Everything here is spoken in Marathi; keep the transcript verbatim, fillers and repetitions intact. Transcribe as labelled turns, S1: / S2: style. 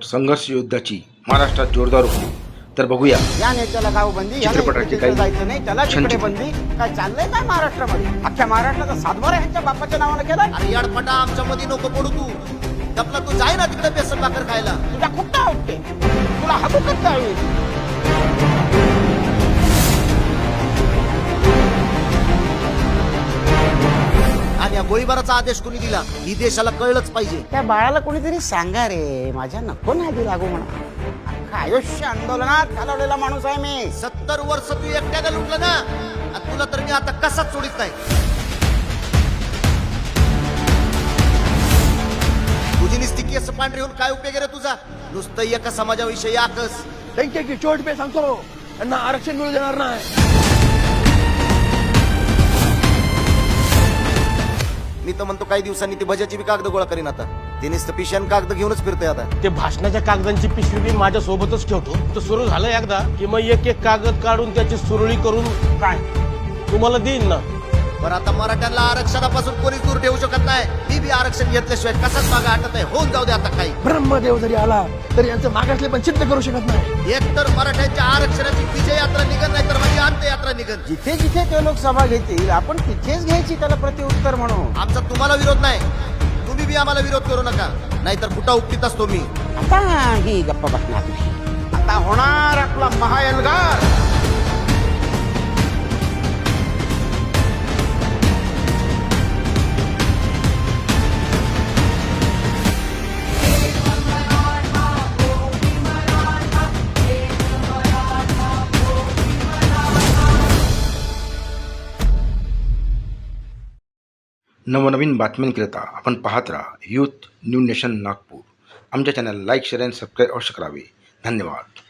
S1: संघर्ष युद्धाची महाराष्ट्रात जोरदार होती. तर बघूया
S2: या नेत्याला गाव बंदी, या
S1: चित्रपटाची
S2: नेत्याला
S1: काही
S2: जायचं नाही, त्याला तिकडे
S1: छानचित्र.
S2: बंदी. काय चाललंय काय महाराष्ट्रामध्ये? अख्ख्या महाराष्ट्राचा सातबारा ह्यांच्या बापाच्या नावानं केलाय.
S3: अरे याडपटा आमच्या मध्ये नको पडू तू. आपला तू जाय ना तिकडे बेसन भाकर खायला.
S2: तुझा कुठं आवडते, तुला हबूकच जावी.
S3: आणि या गोळीबाराचा आदेश कोणी दिला ही देशाला कळलंच पाहिजे.
S2: त्या बाळाला कोणीतरी सांगा रे, माझ्या नको नादी लागू म्हणा. अख्खं आयुष्य आंदोलनात घालवलेला माणूस आहे मी.
S3: सत्तर वर्ष तू एकट्याला लुटलं ना, आणि तुला तर मी आता कसाच सोडित नाही. तुझी निस्ती केस पांढरी होऊन काय उपयोग रे तुझा? नुसतं एका समाजाविषयी आकस.
S4: त्यांच्या चोट पे सांगतो त्यांना आरक्षण मिळू देणार नाही.
S3: मी तर म्हणतो काही दिवसांनी ती भज्याची बी कागद गोळा करीन. आता ते नुसतं पिशन कागद घेऊनच फिरतोय आता.
S4: ते भाषणाच्या कागदांची पिशवी मी माझ्या सोबतच ठेवतो. तर सुरू झालं एकदा की मग एक एक कागद काढून त्याची सुरळी करून काय तुम्हाला देईन ना.
S3: पण आता मराठ्यांना आरक्षणापासून कोणीच दूर ठेवू शकत नाही. मी बी आरक्षण घेतल्याशिवाय कसाच मागा हटत आहे. होऊन जाऊ दे आता काही.
S4: ब्रह्मदेव जरी आला तरी यांचं मागासले पण सिद्ध करू शकत नाही.
S3: एक तर मराठ्यांच्या आरक्षणाची विजय यात्रा निघत नाही तर माझी अंत्ययात्रा निघत.
S2: जिथे जिथे ते लोक सभा घेतील आपण तिथेच घ्यायची त्याला प्रत्युत्तर म्हणून.
S3: आमचा तुम्हाला विरोध नाही, तुम्ही बी आम्हाला विरोध करू नका, नाहीतर कुठं उपटीत असतो मी.
S2: आता ही गप्पा बसणार नाही. आता होणार आपला महाएल्गार.
S1: नवनवीन बातम्यांकरिता आपण पाहत राहा यूथ न्यू नेशन नागपूर. आमच्या चॅनल लाईक शेअर आणि सबस्क्राईब अवश्य करावे. धन्यवाद.